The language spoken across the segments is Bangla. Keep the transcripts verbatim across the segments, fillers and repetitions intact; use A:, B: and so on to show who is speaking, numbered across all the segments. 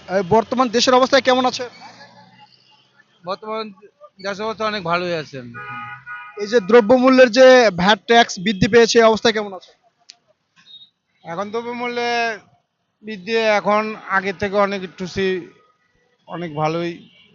A: এই বর্তমান দেশের অবস্থা কেমন আছে?
B: বর্তমান দেশ অবস্থা অনেক ভালোই আছেন।
A: এই যে দ্রব্যমূল্যের যে ভ্যাট ট্যাক্স বৃদ্ধি পেয়েছে এই অবস্থা কেমন আছে?
B: এখন দ্রব্যমূল্যে বৃদ্ধি এখন আগের থেকে অনেক একটু সি- অনেক ভালোই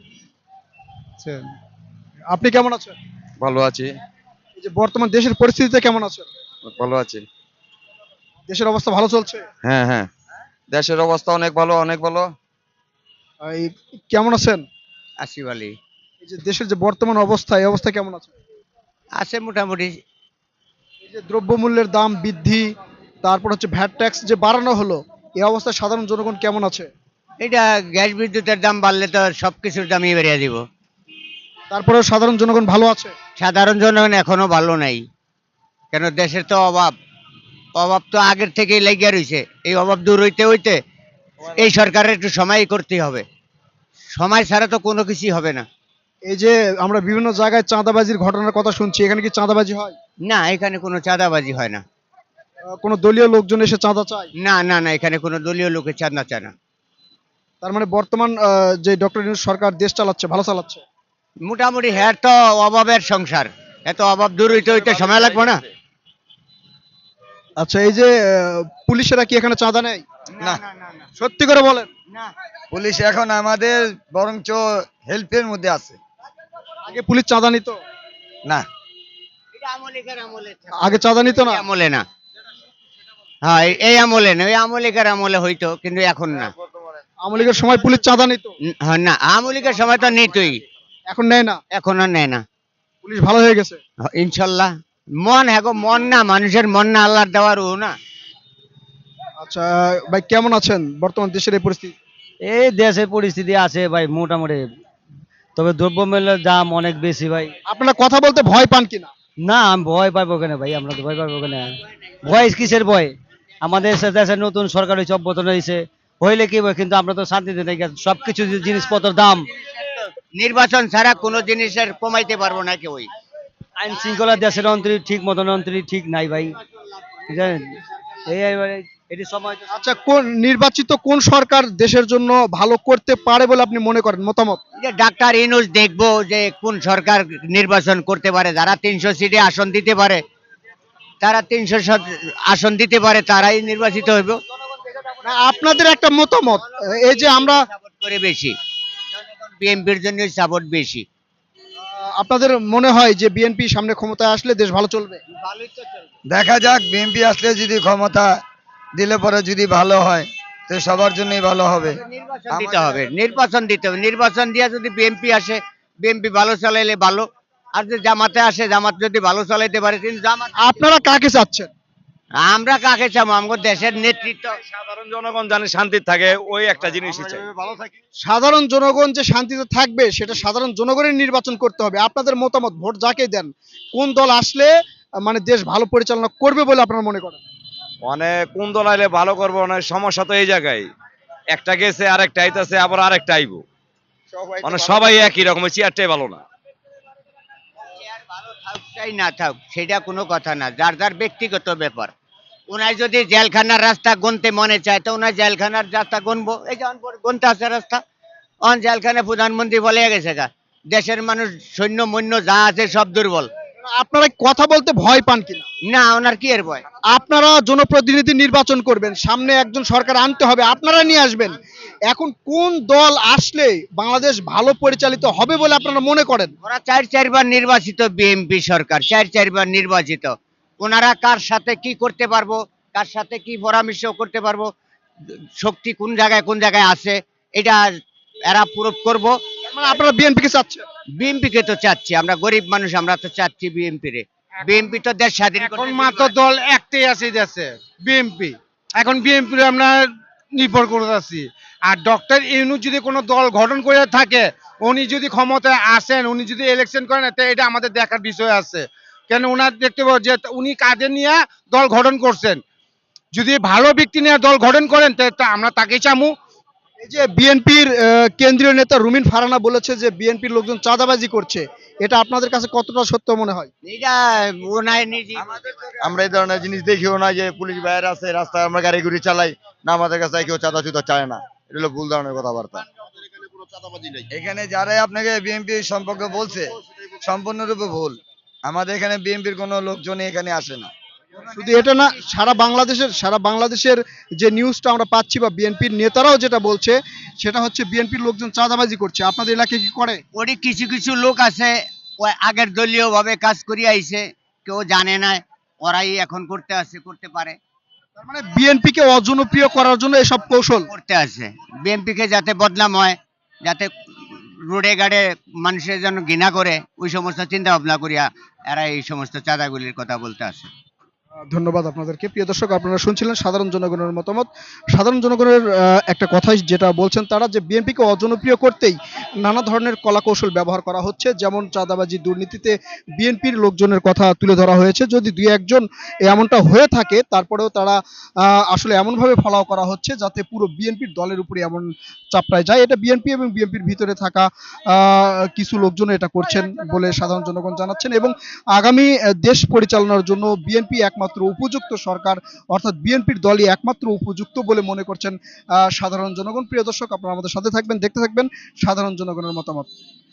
B: আছে।
A: আপনি কেমন আছেন?
C: ভালো আছি।
A: এই যে বর্তমান দেশের পরিস্থিতিতে কেমন আছেন?
C: ভালো আছি।
A: দেশের অবস্থা ভালো চলছে?
C: হ্যাঁ, হ্যাঁ। দেশের অবস্থা অনেক ভালো, অনেক ভালো।
A: আহ, এই কেমন আছেন?
D: আসিফ আলী।
A: এই যে দেশের যে বর্তমান অবস্থা এই অবস্থা কেমন আছে?
D: আছে মোটামুটি।
A: এই যে দ্রব্যমূল্যের দাম বৃদ্ধি, তারপর হচ্ছে ভ্যাট ট্যাক্স যে বাড়ানো হলো, এই অবস্থায় সাধারণ জনগণ কেমন আছে?
D: এটা গ্যাস বিদ্যুতের দাম বাড়লে তো সব কিছুর দামই বেরিয়ে দিব।
A: তারপরেও সাধারণ জনগণ ভালো আছে?
D: সাধারণ জনগণ এখনো ভালো নাই, কেন দেশের তো অভাব। অভাব তো আগের থেকেই লেগে রয়েছে, এই অভাব দূর হইতে হইতে এই সরকারের একটু সময় করতে হবে। সময় ছাড়া তো কোনো কিছুই হবে না।
A: এই যে আমরা বিভিন্ন জায়গায় চাঁদাবাজির ঘটনার কথা শুনছি, এখানে কি চাঁদাবাজি হয়?
D: না, এখানে কোনো চাঁদাবাজি হয় না।
A: আহ, কোনো দলীয় লোকজন এসে চাঁদা চায়?
D: না না না, এখানে কোনো দলীয় লোকের চাঁদা চায় না।
A: তার মানে বর্তমান আহ, যে ডক্টর ইউনূস সরকার দেশ চালাচ্ছে, ভালো চালাচ্ছে।
D: মোটামুটি হ্যাঁ, তো অভাবের সংসার, এত অভাব দূর হইতে হইতে সময় লাগবে না।
A: আচ্ছা, এই যে আহ, পুলিশেরা কি এখানে চাঁদা নেয়?
C: না।
A: সত্যি করে বলেন।
D: না,
C: পুলিশ এখন আমাদের বরঞ্চ হেল্পের মধ্যে আছে।
A: আগে পুলিশ চাঁদা নিত?
C: না।
D: এটা আমলিকার আমলে
A: আগে চাঁদা নিত না?
D: এই আমলে না। হ্যাঁ, এই- এই আমলে না, ওই আমলিকার আমলে হইতো, কিন্তু এখন না।
A: আওয়ামী লীগের সময় পুলিশ চাঁদা নিত?
D: ন- হ্যাঁ, না, আমলিকার সময় তো নিতই,
A: এখন নেয় না?
D: এখন আর নেয় না।
A: পুলিশ ভালো হয়ে গেছে?
D: হ- ইনশাল্লাহ। মন, হ্যাঁ গো, মন না, মানুষের মন না, আল্লাহর দেওয়ার ও না।
A: আচ্ছা ভাই, কেমন আছেন বর্তমান দেশের এই পরিস্থিতি?
E: এই দেশের পরিস্থিতি আছে ভাই মোটামুটি, তবে দ্রব্যমূল্যের দাম অনেক বেশি ভাই।
A: আপনারা কথা বলতে ভয় পান কিনা?
E: না, আমি ভয় পাইবো কেন ভাই, আমরা তো ভয় পাইবো কেন? ভয় কিসের ভয়? আমাদের সে দেশের নতুন সরকার হয়েছে, অভ্যর্থন হয়েছে, হইলে কি হবে, কিন্তু আমরা তো শান্তিতে নেই। সবকিছু যে জিনিসপত্রের দাম,
D: নির্বাচন ছাড়া কোনো জিনিসের কমাইতে পারবো না কেউই।
E: আইন শৃঙ্খলা দেশের অন্তরী ঠিক মতন অন্তরী ঠিক নাই ভাই, বুঝলেন? এই এবারে এটি সময় তো-
A: আচ্ছা, কোন নির্বাচিত কোন সরকার দেশের জন্য ভালো করতে পারে বলে আপনি মনে করেন, মতামত?
D: যে ডাক্তার ইনুস দেখবো যে কোন সরকার নির্বাচন করতে পারে, যারা তিনশো সিটে আসন দিতে পারে, তারা তিনশো আসন দিতে পারে, তারাই নির্বাচিত হইব।
A: না, আপনাদের একটা মতামত, এই যে আমরা
D: সাপোর্ট করে বেশি, বিএনপির জন্য সাপোর্ট বেশি।
A: আহ, আপনাদের মনে হয় যে বিএনপি সামনে ক্ষমতায় আসলে দেশ ভালো চলবে?
C: দেখা যাক, বিএনপি আসলে যদি ক্ষমতা দিলে পরে যদি ভালো হয় তো সবার জন্যই ভালো হবে।
D: নির্বাচন দিতে হবে, নির্বাচন দিতে হবে। নির্বাচন দিয়ে যদি বিএনপি আসে, বিএনপি ভালো চালাইলে ভালো। আর যদি জামাতে আসে, জামাত যদি ভালো চালাইতে পারে, কিন্তু জামাত।
A: আপনারা কাকে চাচ্ছেন?
D: আমরা কাকে চাবো? আমাদের দেশের নেতৃত্ব।
F: সাধারণ জনগণ জানে শান্তি থাকে, ওই একটা জিনিসই চাই।
A: সাধারণ জনগণ যে শান্তিতে থাকবে সেটা সাধারণ জনগণের নির্বাচন করতে হবে। আপনাদের মতামত, ভোট যাকে দেন, কোন দল আসলে আহ, মানে দেশ ভালো পরিচালনা করবে বলে আপনারা মনে করেন?
F: মানে কোন দল আইলে ভালো করবো, অনেক সমস্যা তো এই জায়গায়। একটা গেছে, আরেকটা আইতাছে, আবার আরেকটা আইবো। মানে সবাই একই রকম, চেয়ারটাই ভালো না।
D: চেয়ার ভালো থাক চাই না থাক, সেটা কোনো কথা না, যার যার ব্যক্তিগত ব্যাপার। ওনার যদি জেলখানার রাস্তা গুনতে মনে চায় তো ওনার জেলখানার রাস্তা গুনবো। এই যেমন গুনতে আছে রাস্তা, অন জেলখানে প্রধানমন্ত্রী বলে গেছে গা, দেশের মানুষ সৈন্য মৈন্য যা আছে সব দুর্বল।
A: আপনারা কথা বলতে ভয় পান কিনা?
D: না, ওনার কি এর ভয়?
A: আপনারা জনপ্রতিনিধি নির্বাচন করবেন, সামনে একজন সরকার আনতে হবে, আপনারা নিয়ে আসবেন। এখন কোন দল আসলে বাংলাদেশ ভালো পরিচালিত হবে বলে আপনারা মনে করেন?
D: ওরা চার চারবার নির্বাচিত, বিএনপি সরকার চার চারবার নির্বাচিত। ওনারা কার সাথে কি করতে পারবো, কার সাথে কি পরামর্শ করতে পারবো, শক্তি কোন জায়গায় কোন জায়গায় আছে, এটা এরা প্রুফ করবো।
A: মানে আপনারা বিএনপি কে চাচ্ছেন?
D: বিএনপি কে তো চাচ্ছি, আমরা গরিব মানুষ, আমরা তো চাচ্ছি বিএনপি রে। বিএনপি তো দেশ স্বাধীন
B: এখন
D: করতে
B: মাত্র দল একটাই আছে দেশে, বিএনপি। এখন বিএনপি আমরা নির্ভর করে আছি। আর ডক্টর ইউনূস যদি কোনো দল গঠন করে থাকে, উনি যদি ক্ষমতায় আসেন, উনি যদি ইলেকশন করেন, তো এটা আমাদের দেখার বিষয় আছে। কেন ওনার দেখতে পাবো যে উনি কাদের নিয়ে দল গঠন করছেন। যদি ভালো ব্যক্তি নিয়ে দল গঠন করেন তো আমরা তাকেই চামু।
A: এই যে বিএনপির কেন্দ্রীয় নেতা রুমিন ফারানা বলেছে যে বিএনপির লোকজন চাঁদাবাজি করছে, এটা আপনাদের কাছে কতটা সত্য মনে হয়?
D: এটা ওনার নিজে।
C: আমরা এই ধরনের জিনিস দেখিও না যে পুলিশ বাইরে আছে রাস্তায় আমরা গাড়ি গুড়ি চালাই, না আমাদের কাছে কেউ চাঁদা চুদা চায় না। এটা হলো ভুল ধরনের কথাবার্তা। এখানে যারাই আপনাকে বিএনপি সম্পর্কে বলছে সম্পূর্ণরূপে ভুল। আমাদের এখানে বিএনপির কোনো লোকজনই এখানে আসে না।
A: শুধু এটা না, সারা বাংলাদেশের সারা বাংলাদেশের যে নিউজটা আমরা পাচ্ছি বা বিএনপির নেতারাও যেটা বলছে সেটা হচ্ছে বিএনপির লোকজন চাঁদাবাজি করছে। আপনাদের এলাকায় কি করে?
D: ওরই কিছু কিছু লোক আছে ওই আগের দলীয় ভাবে কাজ করি আইছে, কেউ জানে না, ওরাই এখন করতে আসে, করতে পারে,
A: তার মানে বিএনপি কে অজনপ্রিয় করার জন্য এসব কৌশল।
D: করতে আসে বিএনপি কে যাতে বদনাম হয়, যাতে রোডে গাড়ে মানুষের যেন ঘৃণা করে, ওই সমস্ত চিন্তা ভাবনা করিয়া এরা এই সমস্ত চাঁদাগুলির কথা বলতে আসে।
A: ধন্যবাদ আপনাদেরকে। প্রিয় দর্শক, আপনারা শুনছিলেন সাধারণ জনগণের মতামত। সাধারণ জনগণের আহ, একটা কথাই যেটা বলছেন তারা, যে বিএনপিকে অজনপ্রিয় করতেই নানা ধরনের কলাকৌশল ব্যবহার করা হচ্ছে, যেমন চাঁদাবাজি, দুর্নীতিতে বিএনপির লোকজনের কথা তুলে ধরা হয়েছে। যদি দুই একজন এমনটা হয়ে থাকে তারপরেও তারা আহ, আসলে এমনভাবে ফলাও করা হচ্ছে যাতে পুরো বিএনপির দলের উপরে এমন চাপড়ায় যায়। এটা বিএনপি এবং বিএনপির ভিতরে থাকা আহ, কিছু লোকজন এটা করছেন বলে সাধারণ জনগণ জানাচ্ছেন। এবং আগামী আহ, দেশ পরিচালনার জন্য বিএনপি একমাত্র উপযুক্ত সরকার, অর্থাৎ বিএনপির দলই একমাত্র উপযুক্ত বলে মনে করছেন আহ, সাধারণ জনগণ। প্রিয় দর্শক, আপনারা আমাদের সাথে থাকবেন, দেখতে থাকবেন সাধারণ জনগণের মতামত।